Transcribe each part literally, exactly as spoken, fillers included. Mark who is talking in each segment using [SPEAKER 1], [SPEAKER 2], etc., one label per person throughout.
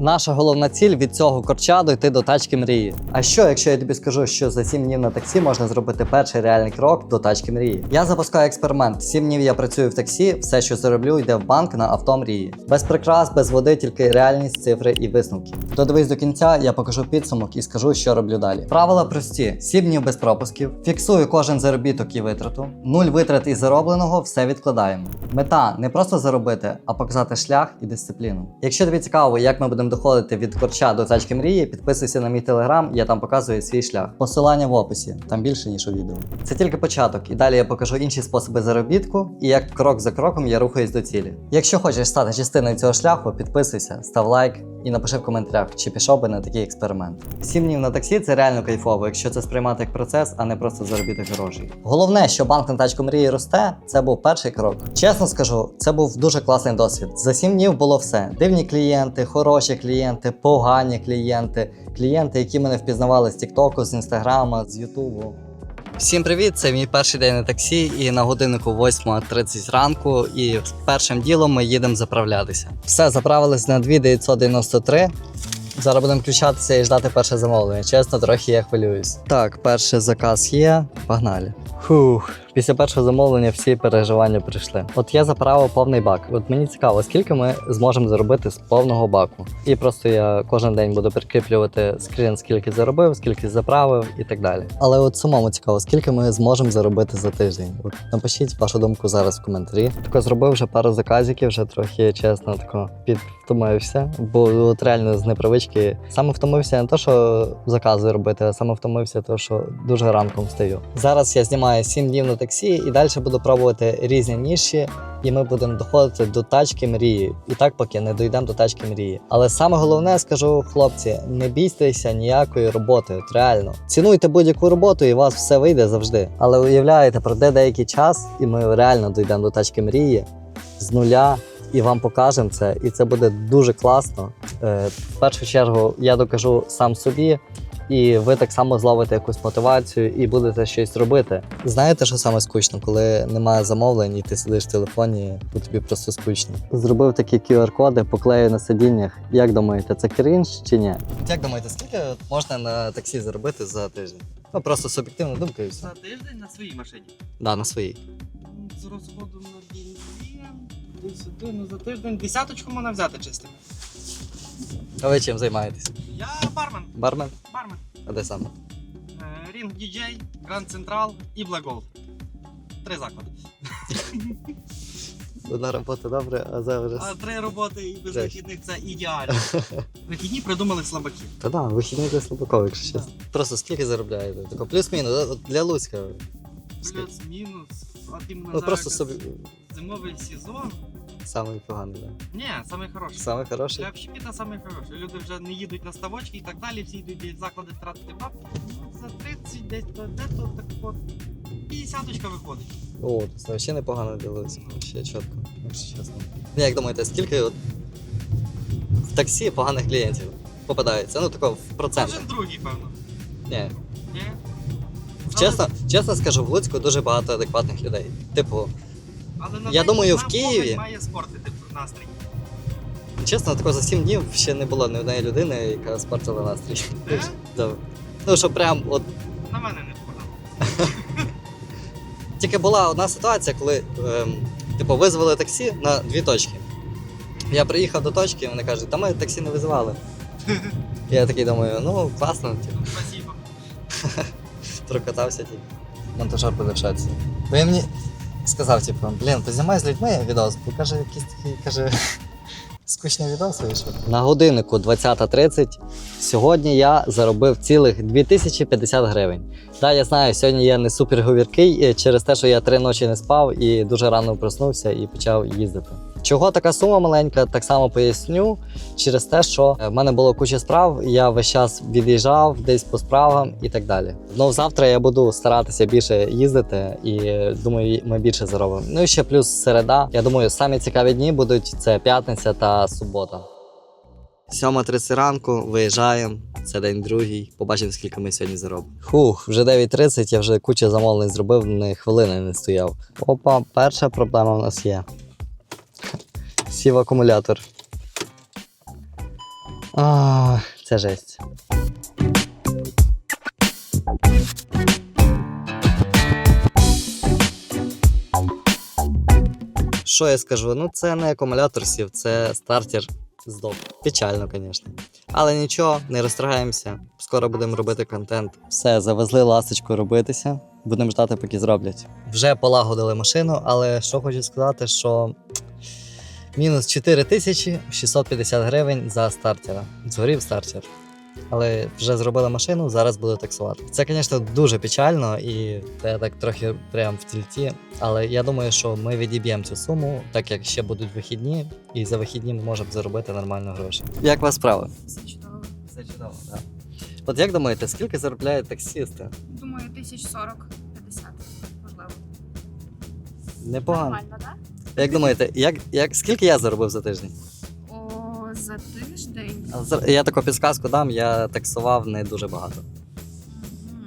[SPEAKER 1] Наша головна ціль від цього корча дойти до тачки мрії. А що, якщо я тобі скажу, що за сім днів на таксі можна зробити перший реальний крок до тачки мрії? Я запускаю експеримент. сім днів я працюю в таксі, все, що зароблю, йде в банк на авто мрії. Без прикрас, без води, тільки реальність, цифри і висновки. Додивись до кінця, я покажу підсумок і скажу, що роблю далі. Правила прості: сім днів без пропусків, фіксую кожен заробіток і витрату, нуль витрат із заробленого, все відкладаємо. Мета не просто заробити, а показати шлях і дисципліну. Якщо тобі цікаво, як ми будемо доходити від корча до тачки мрії, підписуйся на мій телеграм, я там показую свій шлях. Посилання в описі, там більше, ніж у відео. Це тільки початок, і далі я покажу інші способи заробітку і як крок за кроком я рухаюсь до цілі. Якщо хочеш стати частиною цього шляху, підписуйся, став лайк і напиши в коментарях, чи пішов би на такий експеримент. сім днів на таксі – це реально кайфово, якщо це сприймати як процес, а не просто заробіток грошей. Головне, що банк на тачку мрії росте, це був перший крок. Чесно скажу, це був дуже класний досвід. За сім днів було все. Дивні клієнти, хороші клієнти, погані клієнти, клієнти, які мене впізнавали з Тіктоку, з Інстаграма, з Ютубу. Всім привіт! Це мій перший день на таксі, і на годиннику восьма тридцять ранку, і першим ділом ми їдемо заправлятися. Все, заправились на дві тисячі дев'ятсот дев'яносто три. Зараз будемо включатися і ждати перше замовлення. Чесно, трохи я хвилююсь. Так, перший заказ є. Погнали. Фух, після першого замовлення всі переживання прийшли. От я заправив повний бак. От мені цікаво, скільки ми зможемо заробити з повного баку. І просто я кожен день буду прикріплювати скрін, скільки заробив, скільки заправив і так далі. Але от самому цікаво, скільки ми зможемо заробити за тиждень. От напишіть вашу думку зараз в коментарі. Тако зробив вже пару заказиків, вже трохи, чесно, тако підвтомився. Бо от реально з непривички саме втомився не то, що закази робити, а саме втомився, то що дуже ранком встаю. Зараз я знімаю сім днів на таксі і далі буду пробувати різні ніші, і ми будемо доходити до тачки мрії. І так поки не дійдемо до тачки мрії. Але саме головне, скажу, хлопці, не бійтеся ніякої роботи, от реально. Цінуйте будь-яку роботу і у вас все вийде завжди. Але уявляєте, пройде деякий час і ми реально дійдемо до тачки мрії з нуля. І вам покажемо це, і це буде дуже класно. Е, в першу чергу я докажу сам собі, і ви так само зловите якусь мотивацію і будете щось робити. Знаєте, що саме скучно? Коли немає замовлень і ти сидиш в телефоні, то тобі просто скучно. Зробив такі ку ар-коди, поклею на сидіннях. Як думаєте, це крінж чи ні? Як думаєте, скільки можна на таксі заробити за тиждень? Ну, просто суб'єктивна думка і все.
[SPEAKER 2] За тиждень на своїй машині?
[SPEAKER 1] Да, на своїй.
[SPEAKER 2] З розходом на бензин, десь один за тиждень. Десяточку можна взяти чистими.
[SPEAKER 1] А ви чим займаєтесь?
[SPEAKER 2] Я бармен.
[SPEAKER 1] Бармен?
[SPEAKER 2] Бармен.
[SPEAKER 1] А де саме?
[SPEAKER 2] Рінг діджей, Гранд Централ і Black Gold. Три заклади.
[SPEAKER 1] Одна робота добре, а за вже...
[SPEAKER 2] А три роботи і без
[SPEAKER 1] Жесть.
[SPEAKER 2] вихідних це ідеально. Вихідні придумали слабаки.
[SPEAKER 1] Та да, вихідний для слабаков, якщо чесно. Просто скільки заробляєте? Тако плюс-мінус, от для Луцька. Скільки?
[SPEAKER 2] Плюс-мінус. От іменно
[SPEAKER 1] Ну
[SPEAKER 2] зараз
[SPEAKER 1] просто собі
[SPEAKER 2] зимовий сезон.
[SPEAKER 1] самий поганий, так?
[SPEAKER 2] Ні, самий хороший.
[SPEAKER 1] Самий хороший?
[SPEAKER 2] Для общепіта самий хороший. Люди вже не їдуть на ставочки і так далі, всі йдуть в заклади тратити бабки. За тридцять десь то де то так от п'ятдесяточка виходить.
[SPEAKER 1] О, це ще непогано для Луцька, ще чітко, якщо чесно. Як думаєте, скільки от в таксі поганих клієнтів попадається? Ну тако в процентах.
[SPEAKER 2] Кожен другий, певно.
[SPEAKER 1] Ні.
[SPEAKER 2] Ні?
[SPEAKER 1] Чесно, чесно скажу, в Луцьку дуже багато адекватних людей. Типу,
[SPEAKER 2] Але на
[SPEAKER 1] Я
[SPEAKER 2] день
[SPEAKER 1] думаю, в
[SPEAKER 2] нам
[SPEAKER 1] Києві-
[SPEAKER 2] погляд має спортити настрій.
[SPEAKER 1] чесно, тако за сім днів ще не було ні однієї людини, яка спортила настрій.
[SPEAKER 2] Де?
[SPEAKER 1] Да. Ну, що прям от.
[SPEAKER 2] На мене не впадало.
[SPEAKER 1] Тільки була одна ситуація, коли ем, типу, визвали таксі на дві точки. Я приїхав до точки, і вони кажуть, та ми таксі не визивали. Я такий думаю, ну класно, типу,
[SPEAKER 2] Спасибо.
[SPEAKER 1] прокатався тільки. Монтажер буде в шоці. Бо він мені сказав, типу, блін, познімай з людьми відос, бо каже, якісь такі, каже, скучні відоси вийшов. На годиннику двадцята тридцять. Сьогодні я заробив цілих дві тисячі п'ятдесят гривень. Так, я знаю, сьогодні я не супер говіркий через те, що я три ночі не спав і дуже рано проснувся і почав їздити. Чого така сума маленька, так само поясню, через те, що в мене було куча справ, я весь час від'їжджав десь по справам і так далі. Ну, завтра я буду старатися більше їздити і думаю, ми більше заробимо. Ну і ще плюс середа. Я думаю, самі цікаві дні будуть це п'ятниця та субота. сьома тридцять ранку, виїжджаємо, це день другий, побачимо, скільки ми сьогодні заробимо. Хух, вже дев'ять тридцять, я вже кучу замовлень зробив, ні хвилини не стояв. Опа, перша проблема в нас є. Сів акумулятор. А, це жесть. Що я скажу? Ну це не акумулятор сів, це стартер здох. Печально, звісно. Але нічого, не розстрагаємося. Скоро будемо робити контент. Все, завезли ласточку робитися. Будемо ждати, поки зроблять. Вже полагодили машину, але що хочу сказати, що мінус чотири тисячі шістсот п'ятдесят гривень за стартера. Згорів стартер. Але вже зробили машину, зараз буду таксувати. Це, звісно, дуже печально і це так трохи прям в тільті. Але я думаю, що ми відіб'ємо цю суму, так як ще будуть вихідні, і за вихідні ми можемо заробити нормально гроші. Як у вас справи?
[SPEAKER 3] Все чудово.
[SPEAKER 1] Все чудово, так. От як думаєте, скільки заробляють таксісти?
[SPEAKER 3] Думаю, тисяч сорок п'ятдесят, можливо.
[SPEAKER 1] Непогано.
[SPEAKER 3] Нормально, так?
[SPEAKER 1] Як думаєте, як, як, скільки я заробив за тиждень?
[SPEAKER 3] О, за тиждень.
[SPEAKER 1] А зар- Я таку підсказку дам, я таксував не дуже багато.
[SPEAKER 3] Мгм.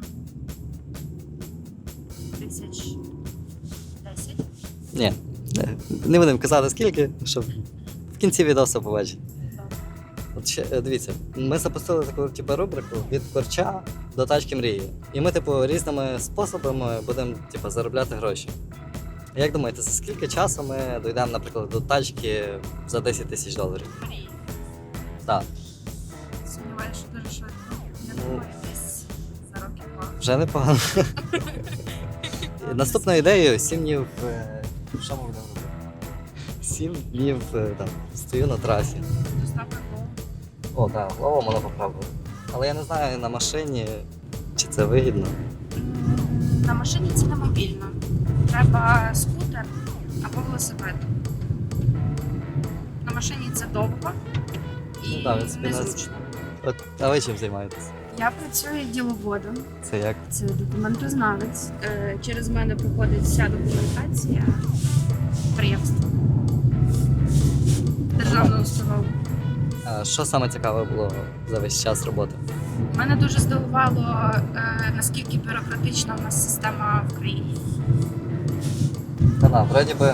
[SPEAKER 3] Тисяч десять.
[SPEAKER 1] Ні, не, не будемо казати скільки, щоб в кінці відео все побачити.
[SPEAKER 3] Добре.
[SPEAKER 1] От ще, е, дивіться, ми запустили таку типу, рубрику від корча до тачки мрії. І ми, типу, різними способами будемо типу, заробляти гроші. Як думаєте, за скільки часу ми дійдемо, наприклад, до тачки за десять тисяч доларів?
[SPEAKER 3] Мрії.
[SPEAKER 1] Так,
[SPEAKER 3] Сумніваюся, що дуже швидко. Я
[SPEAKER 1] Ну.
[SPEAKER 3] думаю, десь за років два.
[SPEAKER 1] вже непогано. Наступною ідеєю сім днів. е, Що ми будемо робити? Сім днів е, там, стою на трасі.
[SPEAKER 3] Доставка кого?
[SPEAKER 1] О, так, голову можна попробувати. Але я не знаю на машині, чи це вигідно.
[SPEAKER 3] На машині це не мобільно. Треба скутер або велосипед. На машині це довго і
[SPEAKER 1] Ну да, в принципі, нас-
[SPEAKER 3] незручно.
[SPEAKER 1] От, а ви чим займаєтесь?
[SPEAKER 3] Я працюю діловодом.
[SPEAKER 1] Це як?
[SPEAKER 3] Це документознавець. Е, Через мене проходить вся документація підприємства. Державного установу.
[SPEAKER 1] А що саме цікаве було за весь час роботи?
[SPEAKER 3] Мене дуже здивувало, е, наскільки бюрократична в нас система в країні.
[SPEAKER 1] Та на, вроді би,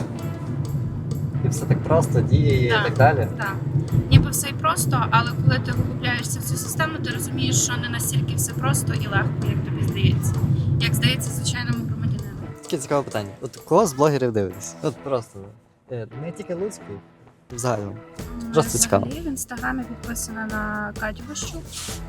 [SPEAKER 1] і все так просто, діє і
[SPEAKER 3] Так.
[SPEAKER 1] так далі.
[SPEAKER 3] Так. Ніби все й просто, але коли ти виглубляєшся в цю систему, ти розумієш, що не настільки все просто і легко, як тобі здається. Як здається, звичайному громадянину.
[SPEAKER 1] Таке цікаве питання. От кого з блогерів дивитесь? От просто. е, Не тільки Луцький, взагалі. Просто цікаво.
[SPEAKER 3] Взагалі в інстаграмі підписана на Катю Ващук.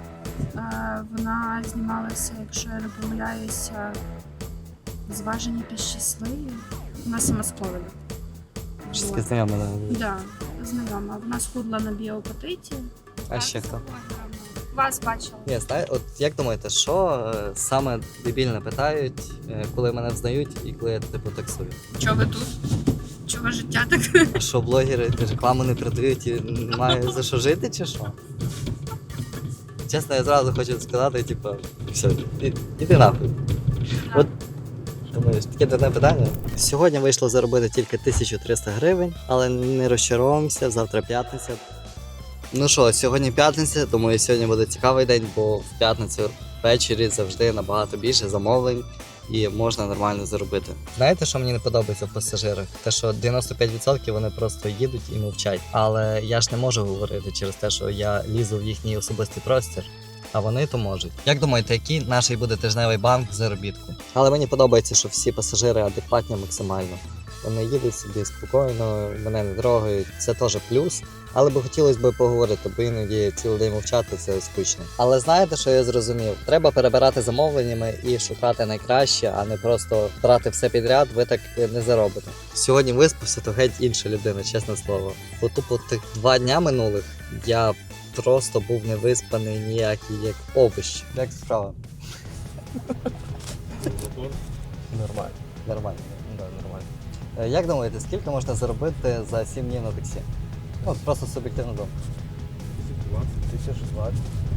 [SPEAKER 3] Е, Вона знімалася, якщо я не помиляюся, зважені та щасливі. Вона сама з Ковеля.
[SPEAKER 1] Щось таке знайоме. да.
[SPEAKER 3] Так, да, знайома. Вона схудла на біопатиті.
[SPEAKER 1] А ще хто?
[SPEAKER 3] Вас бачила.
[SPEAKER 1] Ні, знає, от як думаєте, що е, саме дебільне питають, е, коли мене взнають і коли я типу таксую?
[SPEAKER 3] Чого ви тут? Чого життя так?
[SPEAKER 1] А що блогери рекламу не продають і немає за що жити, чи що? Чесно, я зразу хочу сказати, типу, все, і- іди нахуй. От думаєш, таке дурне питання. Сьогодні вийшло заробити тільки тисячу триста гривень, але не розчаровуємося, завтра п'ятниця. Ну що, сьогодні п'ятниця, думаю, сьогодні буде цікавий день, бо в п'ятницю ввечері завжди набагато більше замовлень і можна нормально заробити. Знаєте, що мені не подобається в пасажирах? Те, що дев'яносто п'ять відсотків вони просто їдуть і мовчать. Але я ж не можу говорити через те, що я лізу в їхній особистий простір. А вони то можуть. Як думаєте, який наш буде тижневий банк заробітку? Але мені подобається, що всі пасажири адекватні максимально. Вони їдуть собі спокійно, мене не трогають. Це теж плюс. Але би хотілося б поговорити, бо іноді цілий день мовчати це скучно. Але знаєте, що я зрозумів? Треба перебирати замовленнями і шукати найкраще, а не просто брати все підряд, ви так не заробите. Сьогодні виспався, то геть інша людина, чесне слово. Бо тупо тих два дня минулих я просто був не виспаний ніякий, як овощ. Як справа?
[SPEAKER 4] Нормально.
[SPEAKER 1] Нормально. Да, нормально. Е, Як думаєте, скільки можна заробити за сім днів на таксі? Ну, просто суб'єктивно думка.
[SPEAKER 4] Тисяч двадцять.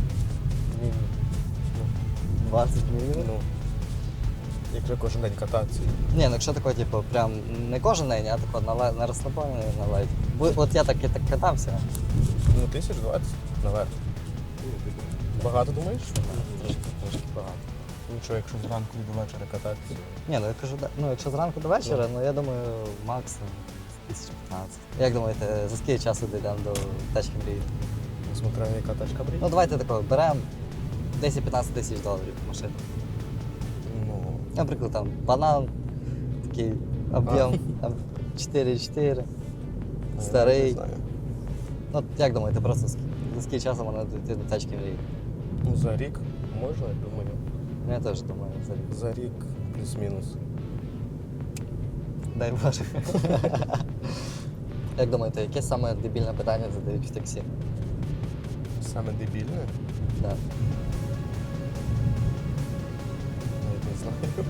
[SPEAKER 1] двадцять мінімум?
[SPEAKER 4] Ну, якщо кожен день кататися.
[SPEAKER 1] Ні, ну якщо тако, типу, прям не кожен день, а тако на, лай- на розслабоні, на лайт. Бо от я так і так катався.
[SPEAKER 4] Ну, тисяч двадцять наверх. Багато думаєш?
[SPEAKER 1] Трошки, трошки багато.
[SPEAKER 4] Ну що, якщо зранку до вечора кататися?
[SPEAKER 1] Ні, ну я кажу, да- ну якщо зранку до вечора, ну я думаю, максимум тисяч п'ятнадцять. Як думаєте, за скільки часу дійдемо до тачки мрії?
[SPEAKER 4] Смотря яка тачка брить.
[SPEAKER 1] Ну давайте такого беремо десять-п'ятнадцять тисяч доларів машину.
[SPEAKER 4] Ну,
[SPEAKER 1] Наприклад, там банан, такий об'єм там, чотири чотири.
[SPEAKER 4] я
[SPEAKER 1] Старий.
[SPEAKER 4] не знаю.
[SPEAKER 1] Ну, як думаєте, просто ск- за скільки часу можна дійти до тачки мрії?
[SPEAKER 4] Ну, за рік можна, я думаю.
[SPEAKER 1] Ну, я теж думаю, взагалі.
[SPEAKER 4] За рік плюс-мінус.
[SPEAKER 1] Дай Боже. Як думаєте, яке саме дебільне питання задають в таксі?
[SPEAKER 4] Саме дебільне?
[SPEAKER 1] Да.
[SPEAKER 4] Навіть не знаю.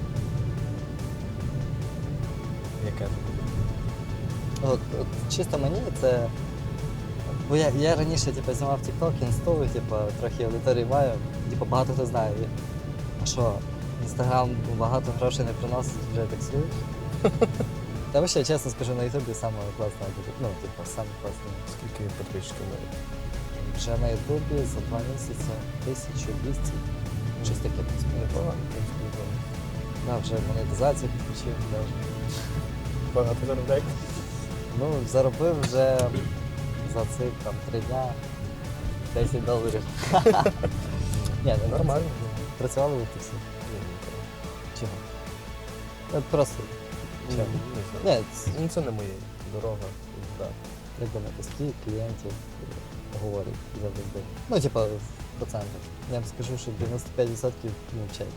[SPEAKER 4] Яке?
[SPEAKER 1] От, от чисто мені це. Бо я, я раніше типу, знімав TikTok, інсту, типу, трохи аудиторії маю, типу, багато хто знає. І- А що, Інстаграм багато грошей не приносить, вже таксуєш? Та ви ще чесно скажу, на Ютубі саме класна аудиторія. Ну, типу, саме класна.
[SPEAKER 4] Скільки підписчиків навіть?
[SPEAKER 1] Вже на Ютубі за два місяці тисячу двісті. Щось таке
[SPEAKER 4] Непогано,
[SPEAKER 1] непогано.
[SPEAKER 4] в принципі, непогано.
[SPEAKER 1] Да, вже монетизацію підключив навіть.
[SPEAKER 4] Багато заробляєте?
[SPEAKER 1] Ну, заробив вже за цих там три дня десять доларів. Ні, не
[SPEAKER 4] Нормально.
[SPEAKER 1] Працювали ви таксі?
[SPEAKER 4] Ні, ніколи.
[SPEAKER 1] Чого? От просто.
[SPEAKER 4] Ні,
[SPEAKER 1] Чого?
[SPEAKER 4] не знаю.
[SPEAKER 1] Ні, ц-
[SPEAKER 4] Ну це не моє. Дорога. Да.
[SPEAKER 1] як думаєте, скільки клієнтів говорять завжди? Ну, типа, в процентах. Я вам скажу, що дев'яносто п'ять відсотків мовчать.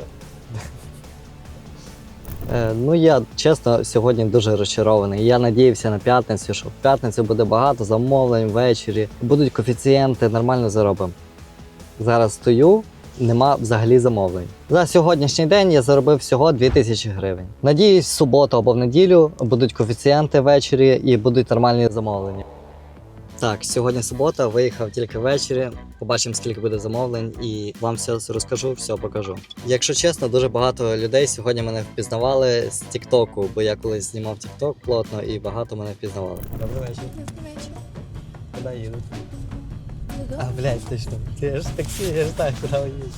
[SPEAKER 1] Е, ну, я чесно сьогодні дуже розчарований. Я надіявся на п'ятницю, що в п'ятницю буде багато замовлень ввечері, будуть коефіцієнти, нормально заробимо. Зараз стою, нема взагалі замовлень. За сьогоднішній день я заробив всього дві тисячі гривень. Надіюсь, в суботу або в неділю будуть коефіцієнти ввечері і будуть нормальні замовлення. Так, сьогодні субота, виїхав тільки ввечері. Побачимо, скільки буде замовлень, і вам все розкажу, все покажу. Якщо чесно, дуже багато людей сьогодні мене впізнавали з Тіктоку, бо я колись знімав Тікток плотно і багато мене впізнавали. Добрий вечір.
[SPEAKER 3] Добрий вечір.
[SPEAKER 1] Куди їдуть?
[SPEAKER 3] Додому?
[SPEAKER 1] А, блядь, точно. Ти ж таксі, я ж знаю, куди ви їдете.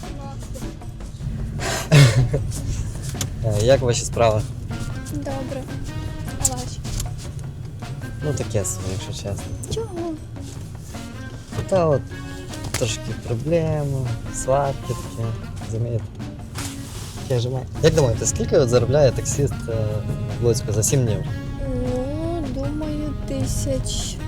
[SPEAKER 1] Е, Як ваші справи?
[SPEAKER 3] Добре. А ваші?
[SPEAKER 1] Ну таке собі, якщо чесно.
[SPEAKER 3] Чого?
[SPEAKER 1] Та от трошки проблеми, сварки таке, розумієте? Таке ж має. Як думаєте, скільки от заробляє таксист е, в Луцьку за сім днів?
[SPEAKER 3] Ну, думаю, тисяч.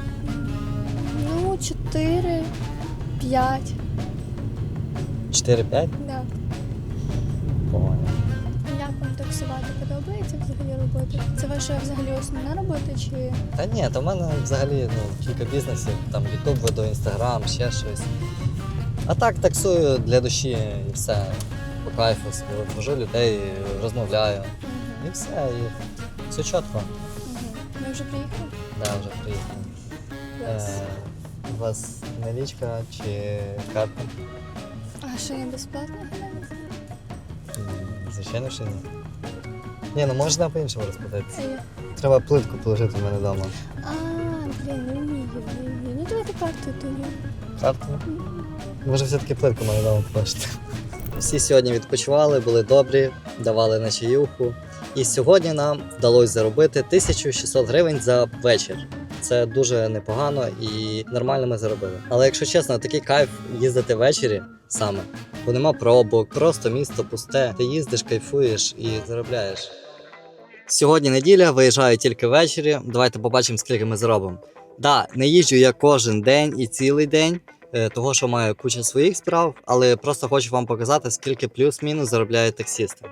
[SPEAKER 3] Ну, чотири, п'ять.
[SPEAKER 1] чотири-п'ять?
[SPEAKER 3] Да.
[SPEAKER 1] Понял.
[SPEAKER 3] Як вам таксувати подобається взагалі робота? Це ваша взагалі основна робота чи
[SPEAKER 1] Та ні, то в мене взагалі ну, кілька бізнесів, там Ютуб веду, Інстаграм, ще щось. А так таксую для душі і все. По кайфу собі от вожу людей, розмовляю. І все, і все чітко.
[SPEAKER 3] Угу. Ми вже приїхали?
[SPEAKER 1] Да, вже приїхав.
[SPEAKER 3] Клас.
[SPEAKER 1] Е, у вас налічка чи карта?
[SPEAKER 3] А що не безплатно?
[SPEAKER 1] М, Звичайно, що ні. Ні, ну можна по-іншому розплатитися.
[SPEAKER 3] Це я.
[SPEAKER 1] Треба плитку положити в мене вдома.
[SPEAKER 3] А, блін, не вмію, не вмію. Ну давайте карту тоді.
[SPEAKER 1] Карту? Може все-таки плитку в мене вдома положити. Всі сьогодні відпочивали, були добрі, давали на чаюху. І сьогодні нам вдалося заробити тисячу шістсот гривень за вечір. Це дуже непогано і нормально ми заробили. Але якщо чесно, такий кайф їздити ввечері саме, бо нема пробок, просто місто пусте. Ти їздиш, кайфуєш і заробляєш. Сьогодні неділя, виїжджаю тільки ввечері. Давайте побачимо, скільки ми заробимо. Да, не їжджу я кожен день і цілий день, е, того що маю кучу своїх справ, але просто хочу вам показати, скільки плюс-мінус заробляють таксісти.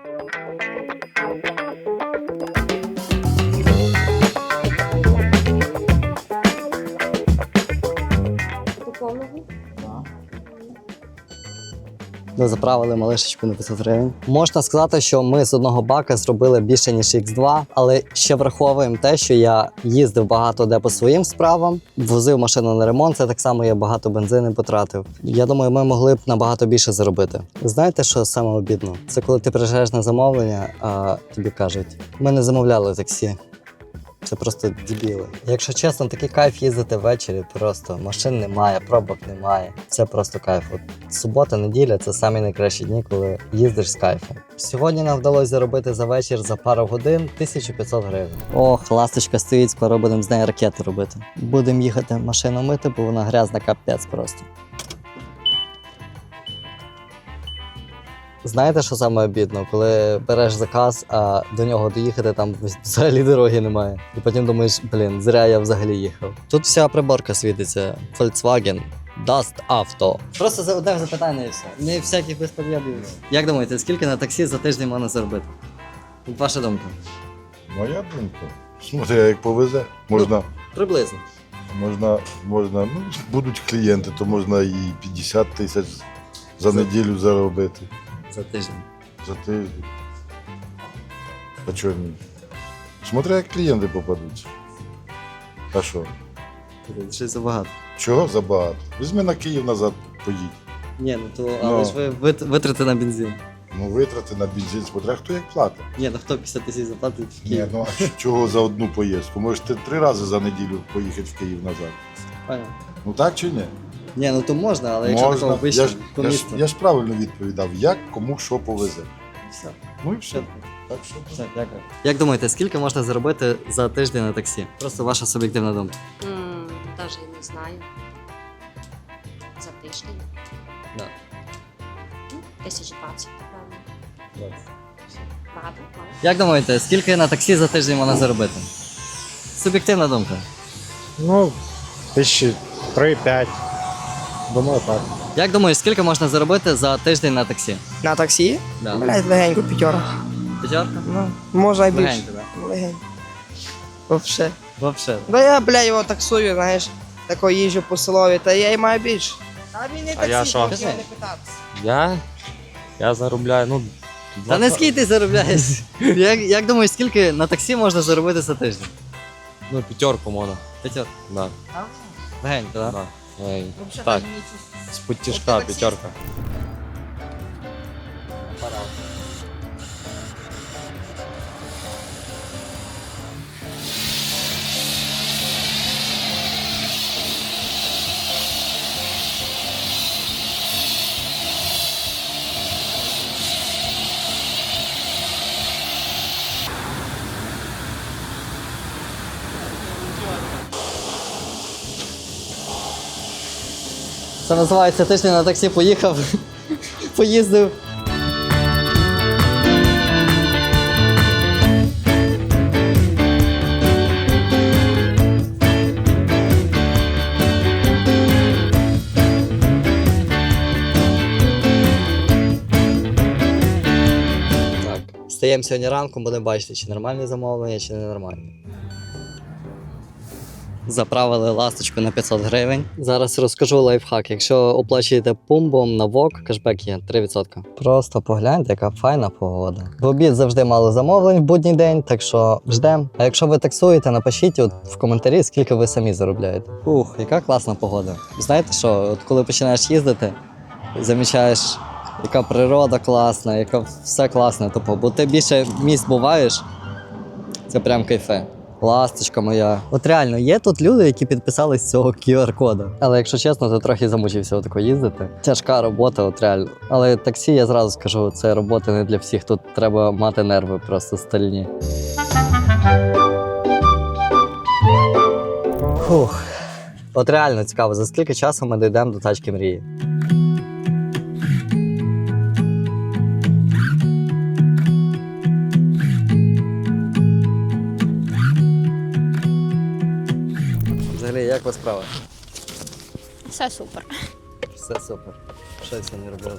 [SPEAKER 1] Ми заправили малишечку на п'ятсот гривень. Можна сказати, що ми з одного бака зробили більше, ніж ікс два, але ще враховуємо те, що я їздив багато де по своїм справам, возив машину на ремонт, це так само я багато бензину потратив. Я думаю, ми могли б набагато більше заробити. Знаєте, що саме обідно? Це коли ти приїжджаєш на замовлення, а тобі кажуть, ми не замовляли таксі. Це просто дебіли. Якщо чесно, такий кайф їздити ввечері, просто машин немає, пробок немає. Це просто кайф. От субота, неділя це самі найкращі дні, коли їздиш з кайфом. Сьогодні нам вдалося заробити за вечір за пару годин тисячу п'ятсот гривень. Ох, ласточка стоїть, скоро будемо з неї ракети робити. Будемо їхати машину мити, бо вона грязна капець просто. Знаєте, що саме обідно? Коли береш заказ, а до нього доїхати там взагалі дороги немає. І потім думаєш, блін, зря я взагалі їхав. Тут вся приборка світиться. Volkswagen Dust Auto. Просто за одне запитання і все. Не всяких безпод'ябів. Як думаєте, скільки на таксі за тиждень можна заробити? Ваша думка?
[SPEAKER 5] Моя думка. Смотри, як повезе, можна,
[SPEAKER 1] Приблизно.
[SPEAKER 5] можна, можна, ну, будуть клієнти, то можна і п'ятдесят тисяч за
[SPEAKER 1] За-
[SPEAKER 5] неділю заробити,
[SPEAKER 1] За тиждень.
[SPEAKER 5] за тиждень. А чого ні? Смотри, як клієнти попадуться. А що?
[SPEAKER 1] Щось забагато.
[SPEAKER 5] Чого забагато? Візьми на Київ назад, поїдь.
[SPEAKER 1] Ні, ну то,
[SPEAKER 5] Ну.
[SPEAKER 1] але ж ви вит- витрати на бензин.
[SPEAKER 5] Ну, витрати на бензин, смотря хто як платить.
[SPEAKER 1] Ні, ну хто п'ятдесят тисяч заплатить в
[SPEAKER 5] Ні,
[SPEAKER 1] Київ?
[SPEAKER 5] ну а чого за одну поїздку? Можеш ти три рази за неділю поїхати в Київ назад.
[SPEAKER 1] Понятно.
[SPEAKER 5] Ну так чи ні?
[SPEAKER 1] Ні, ну то можна, але якщо такого
[SPEAKER 5] Можна.
[SPEAKER 1] вище
[SPEAKER 5] Я ж,
[SPEAKER 1] по
[SPEAKER 5] я, ж,
[SPEAKER 1] місту.
[SPEAKER 5] я ж правильно відповідав, як кому що повезе.
[SPEAKER 1] Все.
[SPEAKER 5] Ну і все.
[SPEAKER 1] Все.
[SPEAKER 5] Так що
[SPEAKER 1] Все, дякую. Як думаєте, скільки можна заробити за тиждень на таксі? Просто ваша суб'єктивна думка.
[SPEAKER 6] М, Даже не знаю. За тиждень.
[SPEAKER 1] Да.
[SPEAKER 6] Ну, Тисяч двадцять, напевно. Багато, мало.
[SPEAKER 1] Як думаєте, скільки на таксі за тиждень можна заробити? Суб'єктивна думка.
[SPEAKER 4] Ну, тисячі три-п'ять. Думаю, так.
[SPEAKER 1] Як думаєш, скільки можна заробити за тиждень на таксі?
[SPEAKER 7] На таксі?
[SPEAKER 1] Да.
[SPEAKER 7] Блядь, легенько п'ятерка.
[SPEAKER 1] П'ятерка?
[SPEAKER 7] Ну, може і більше.
[SPEAKER 1] Легенько, да?
[SPEAKER 7] Легенько. Вообще.
[SPEAKER 1] Вообще.
[SPEAKER 7] Да я, блядь, його таксую, знаєш, тако їжджу по селові, та я й маю більше. А він не таксі,
[SPEAKER 8] я що?
[SPEAKER 7] можеш його не питатися.
[SPEAKER 8] Я? Я заробляю, ну.
[SPEAKER 1] Та не скільки ти заробляєш? як, як думаєш, скільки на таксі можна заробити за тиждень?
[SPEAKER 8] Ну, п'ятерку можна.
[SPEAKER 1] П'ятерка.
[SPEAKER 8] Да.
[SPEAKER 1] Легенько, так?
[SPEAKER 8] Да. Ей,
[SPEAKER 7] Вообще
[SPEAKER 8] Так.
[SPEAKER 7] там нічого.
[SPEAKER 8] з підтяжка
[SPEAKER 7] От ти таксист.
[SPEAKER 8] п'ятерка.
[SPEAKER 1] Це називається тиждень на таксі поїхав, поїздив. Так, стаємо сьогодні ранком, будемо бачити, чи нормальні замовлення, чи ненормальні. Заправили ласточку на п'ятсот гривень. Зараз розкажу лайфхак. Якщо оплачуєте пумбом на вок, кешбек є три відсотки. Просто погляньте, яка файна погода. В обід завжди мало замовлень в будній день, так що ждемо. А якщо ви таксуєте, напишіть от в коментарі, скільки ви самі заробляєте. Ух, яка класна погода. Знаєте що, от коли починаєш їздити, замічаєш, яка природа класна, яка все класне. Тобто, бо ти більше місць буваєш, це прям кайфе. Ласточка моя. От реально, є тут люди, які підписались з цього кю ар-кода. Але якщо чесно, то трохи замучився отако їздити. Тяжка робота, от реально. Але таксі, я зразу скажу, це робота не для всіх. Тут треба мати нерви просто стальні. Фух. От реально цікаво, за скільки часу ми дійдемо до тачки мрії. Взагалі, як у вас справа?
[SPEAKER 9] Все супер.
[SPEAKER 1] Все супер. Що я сьогодні робив?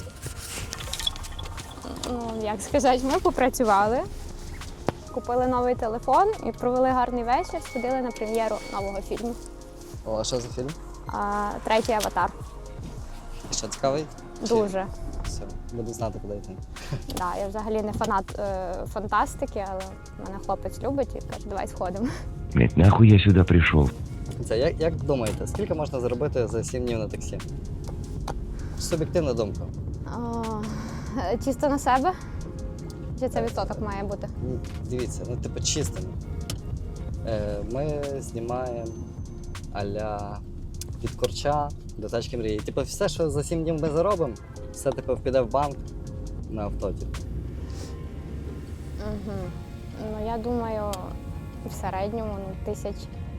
[SPEAKER 9] Ну, як сказати, ми попрацювали, купили новий телефон і провели гарний вечір, сходили на прем'єру нового фільму.
[SPEAKER 1] О, а що за фільм?
[SPEAKER 9] А, третій аватар.
[SPEAKER 1] Що, цікавий?
[SPEAKER 9] Дуже.
[SPEAKER 1] Все, буду знати, куди йти.
[SPEAKER 9] Да, я взагалі не фанат е, фантастики, але мене хлопець любить і каже, давай сходимо.
[SPEAKER 10] Блять, нахуй я сюда пришел?
[SPEAKER 1] Це як, як думаєте, скільки можна заробити за сім днів на таксі? Суб'єктивна думка.
[SPEAKER 9] А, е, чисто на себе? Чи це відсоток має бути?
[SPEAKER 1] Ну, дивіться, ну типу чистими. Е, Ми знімаємо а-ля від корча до тачки мрії. Типу, все, що за сім днів ми заробимо, все типу піде в банк на авто. Типу.
[SPEAKER 9] Угу. Ну, я думаю, в середньому ну, тисяч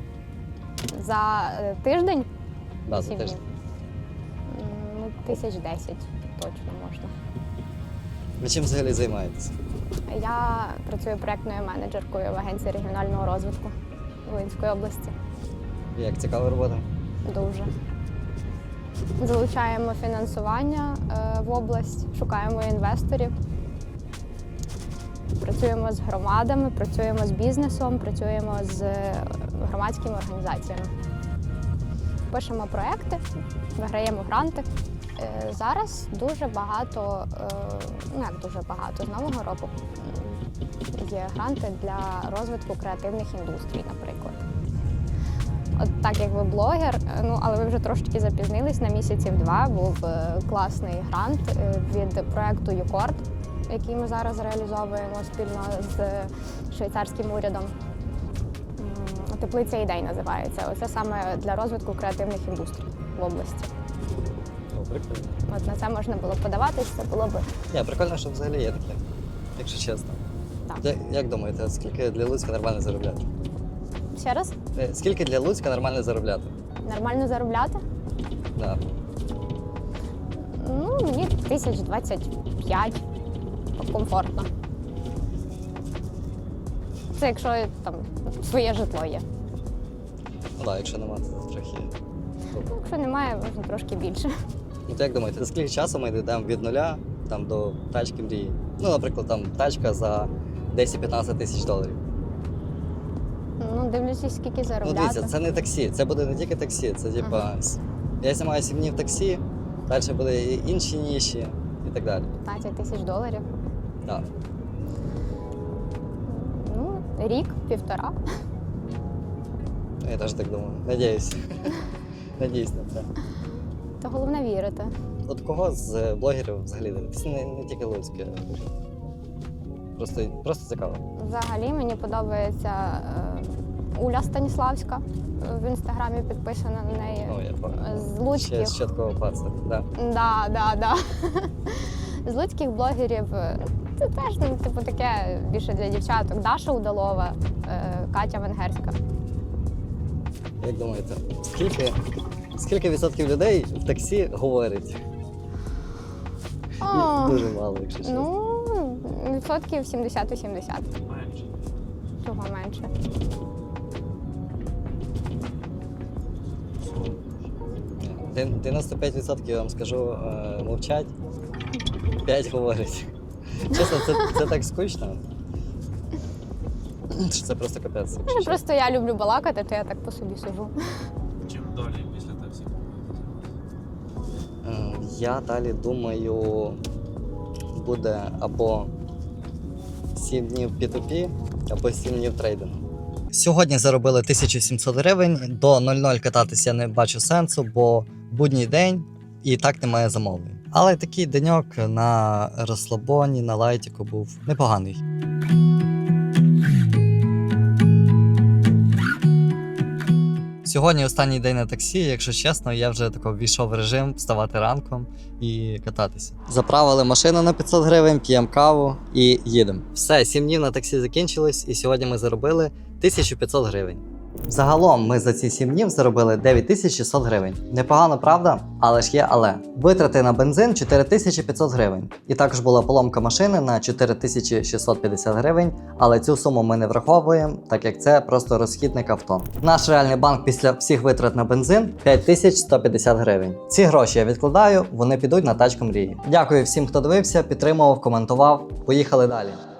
[SPEAKER 9] за е, тиждень.
[SPEAKER 1] Да, за
[SPEAKER 9] сім
[SPEAKER 1] тиждень.
[SPEAKER 9] днів. М, Ну, тисяч десять точно можна.
[SPEAKER 1] Ви чим взагалі займаєтесь?
[SPEAKER 9] Я працюю проєктною менеджеркою в агенції регіонального розвитку Волинської області.
[SPEAKER 1] Як цікава робота?
[SPEAKER 9] Дуже. Залучаємо фінансування е, в область, шукаємо інвесторів. Працюємо з громадами, працюємо з бізнесом, працюємо з е, громадськими організаціями. Пишемо проекти, виграємо гранти. Е, Зараз дуже багато, е, ну як дуже багато, з нового року м, є гранти для розвитку креативних індустрій, наприклад. От так як ви блогер, е, ну але ви вже трошки запізнились на місяців два. Був е, класний грант е, від проекту Юкорд, який ми зараз реалізовуємо спільно з швейцарським урядом. М, Теплиця ідей називається. Оце саме для розвитку креативних індустрій в області.
[SPEAKER 1] О, прикольно.
[SPEAKER 9] От на це можна було подаватись, це було б
[SPEAKER 1] Ні, прикольно, що взагалі є таке, якщо чесно.
[SPEAKER 9] так.
[SPEAKER 1] Я- Як думаєте, скільки для Луцька нормально заробляти?
[SPEAKER 9] Ще раз,
[SPEAKER 1] Е, Скільки для Луцька нормально заробляти?
[SPEAKER 9] нормально заробляти?
[SPEAKER 1] Да.
[SPEAKER 9] Ну, мені тисяч двадцять п'ять комфортно. Це якщо там своє житло є.
[SPEAKER 1] Ну так, якщо немає, то трохи.
[SPEAKER 9] Ну, якщо немає, можна трошки більше.
[SPEAKER 1] Ну, то як думаєте, за скільки часу ми йдемо від нуля там, до тачки мрії? Ну, наприклад, там тачка за десять-п'ятнадцять тисяч доларів.
[SPEAKER 9] Ну, дивлячись, скільки
[SPEAKER 1] Ну,
[SPEAKER 9] заробляти.
[SPEAKER 1] дивіться, це не таксі, це буде не тільки таксі, це типа. с- Я знімаю сім днів таксі, далі буде і інші ніші і так далі.
[SPEAKER 9] п'ятнадцять тисяч доларів.
[SPEAKER 1] Так.
[SPEAKER 9] Ну, рік, півтора.
[SPEAKER 1] Я теж так думаю. Надіюсь. Надіюсь на це.
[SPEAKER 9] То головне вірити.
[SPEAKER 1] От кого з блогерів взагалі дивитися? Не, не тільки Луцьке. Просто, просто цікаво.
[SPEAKER 9] Взагалі мені подобається е, Уля Станіславська. В інстаграмі підписана на неї.
[SPEAKER 1] Ну, я пам'ятаю.
[SPEAKER 9] З
[SPEAKER 1] Ще
[SPEAKER 9] луцьких.
[SPEAKER 1] з чіткого паца. Да.
[SPEAKER 9] Да, да, да. З луцьких блогерів е, це теж ну, типу таке більше для дівчаток. Даша Удалова, е, Катя Венгерська.
[SPEAKER 1] Як думаєте, скільки, скільки відсотків людей в таксі говорить?
[SPEAKER 9] О,
[SPEAKER 1] Дуже мало, якщо чесно.
[SPEAKER 9] ну, відсотків сімдесят-сімдесят.
[SPEAKER 2] Менше.
[SPEAKER 9] Чого менше?
[SPEAKER 1] Дев- дев'яносто п'ять відсотків, я вам скажу, е, мовчать, п'ять говорять. Чесно, це, це так скучно. Що це просто капець. якщо
[SPEAKER 9] Ну,
[SPEAKER 1] чесно.
[SPEAKER 9] просто я люблю балакати, то я так по собі сижу.
[SPEAKER 2] Чим далі після таксі?
[SPEAKER 1] Е, Я далі думаю, буде або сім днів пі ту пі, або сім днів трейдингу. Сьогодні заробили тисячу сімсот гривень. До нуль нуль кататися я не бачу сенсу, бо будній день і так немає замовлень. Але такий деньок на розслабоні, на лайтіку був непоганий. Сьогодні останній день на таксі, якщо чесно, я вже тако ввійшов в режим вставати ранком і кататися. Заправили машину на п'ятсот гривень, п'ємо каву і їдемо. Все, сім днів на таксі закінчилось, і сьогодні ми заробили тисячу п'ятсот гривень. Загалом ми за ці сім днів заробили дев'ять тисяч шістсот гривень. Непогано, правда? Але ж є але. Витрати на бензин чотири тисячі п'ятсот гривень. І також була поломка машини на чотири тисячі шістсот п'ятдесят гривень, але цю суму ми не враховуємо, так як це просто розхідник авто. Наш реальний банк після всіх витрат на бензин п'ять тисяч сто п'ятдесят гривень. Ці гроші я відкладаю, вони підуть на тачку мрії. Дякую всім, хто дивився, підтримував, коментував. Поїхали далі.